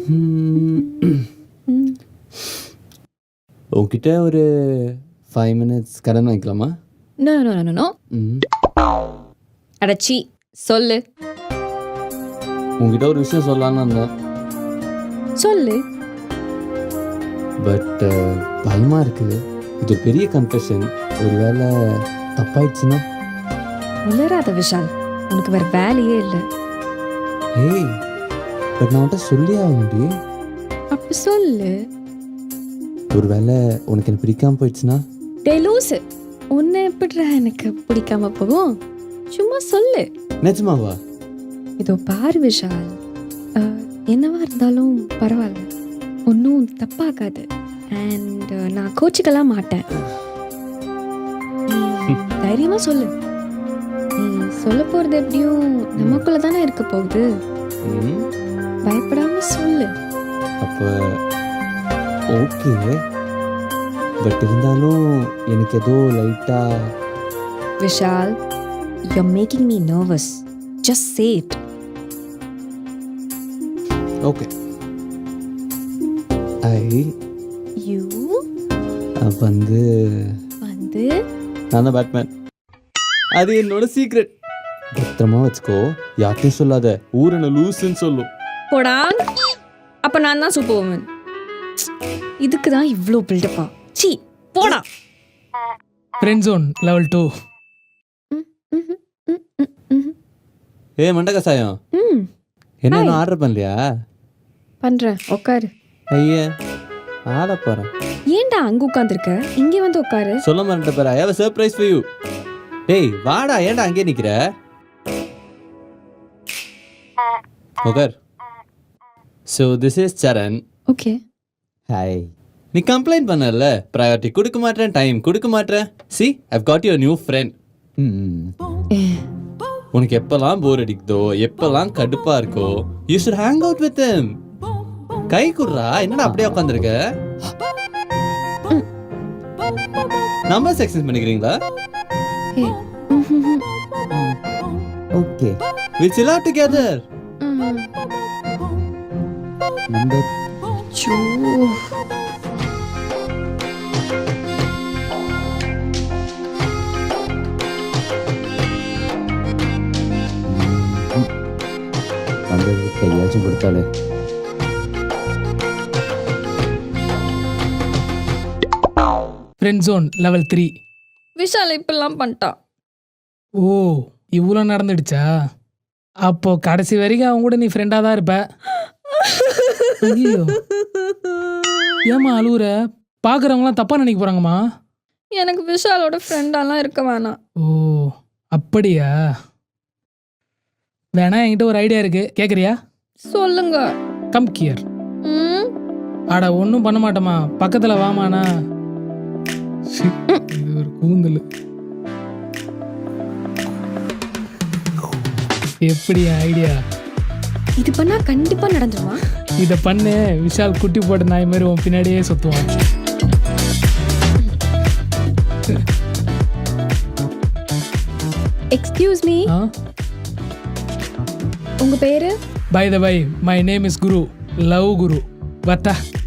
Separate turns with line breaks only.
உங்ககிட்ட ஒரு 5 minutes கடன் வாங்கிக்கலாமா?
No no no no. அடச்சி சொல்லு
உங்ககிட்ட ஒரு விஷயம் சொல்லலான்னு வந்தேன்.
சொல்லு.
பட் பயமா இருக்குது. இது ஒரு பெரிய கன்ஃபெஷன். ஒருவேளை தப்பாயிடுச்சுன்னா?
உளராத விஷால், உனக்கு வேற வேலையே இல்லை.
ஏய், பட் நான் உன்கிட்ட சொல்லி ஆக முடியும்.
அப்ப சொல்லு.
ஒருவேளை உனக்கு எனக்கு பிடிக்காம போயிடுச்சுன்னா?
லூசு, உன்னை எப்படிடா எனக்கு பிடிக்காம போகும்? சும்மா சொல்லு.
நிஜமாவா?
இதோ பாரு விஷால், என்னவா இருந்தாலும் பரவாயில்ல, ஒன்றும் தப்பாகாது. அண்ட் நான் கோச்சிக்கலாம் மாட்டேன். நீ தைரியமா சொல்லு. நீ சொல்ல போறது எப்படியும் நமக்குள்ள தானே இருக்க போகுது. பயப்படாம சொல்லு.
அப்போ ஓகே. பட் இருந்தாலும் எனக்கு ஏதோ லைட்டா.
Vishal, you're making me nervous. Just say it.
Okay.
You
வந்து நான் தான் பேட்மேன். அது என்னோட சீக்ரெட். பத்திரமா வச்சுக்கோ, யார்ட்டையும் சொல்லாத. ஊர் என்ன லூசுன்னு சொல்லும்.
போடா. அப்ப நான் தான் சூப்பர் உமன். இதுக்கு தான் இவ்ளோ பில்டப்பா? சீ, போடா.
Friend zone level 2.
ஏய் மண்ட கசாயம், என்ன ஆர்டர் பண்ணலையா?
பண்றேன், உட்காரு.
ஐயா ஆட போறேன்.
ஏன்டா அங்க உட்கார்ந்திருக்க? இங்க வந்து உட்காரு.
சொல்ல மாட்டேன் பாரு. I have a surprise for you. டேய் வாடா, ஏன்டா அங்கே நிக்கிற? உட்கார். So this is Charan.
Okay.
Hi. நீ கம்ப்ளைண்ட் பண்ணல, ப்ரையாரிட்டி கொடுக்க மாட்டேன், டைம் கொடுக்க மாட்டேன். See, I've got your new friend. உனக்கு எப்பெல்லாம் போர் அடிக்குதோ, எப்பெல்லாம் கடுப்பா இருக்கோ, you should hang out with him. கை குடுறா. என்னடா அப்படியே உட்காந்துருக்க? நம்பர் செக்ஷன் பண்ணிக்கிறீங்களா? Okay. We'll chill out together. Number.
So.
Number கையாச்சும் கொடுத்தாலே.
Friend zone level 3.
விஷால் இப்பெல்லாம் பண்ணிட்டான்.
ஓ, இவ்வளோ நடந்துடுச்சா? அப்போ கடைசி வரைக்கும் அவங்க கூட நீ ஃப்ரெண்டாக தான் இருப்ப. ஐயோ, ஏம்மா அழுவுற? பார்க்குறவங்களாம் தப்பாக நினைக்க போகிறாங்கம்மா.
எனக்கு விஷாலோட ஃப்ரெண்டாலாம் இருக்க வேணாம்.
ஓ அப்படியா? வேணா, என்கிட்ட ஒரு ஐடியா இருக்கு, கேட்குறியா?
சொல்லுங்க.
Come here. ஆடா ஒன்றும் பண்ண மாட்டோமா, பக்கத்தில் வாமாண்ணா. இது ஒரு கூந்தல். எப்படி ஐடியா?
இது பண்ணா கண்டிப்பா நடந்துருமா?
இதை பண்ணு, விஷால் குட்டி போட்ட நாய் மாதிரி உன் பின்னாடியே சுத்துவான்.
எக்ஸ்கியூஸ் மீ, உங்க பேரு?
By the by, my name is Guru, love Guru. வட்டா.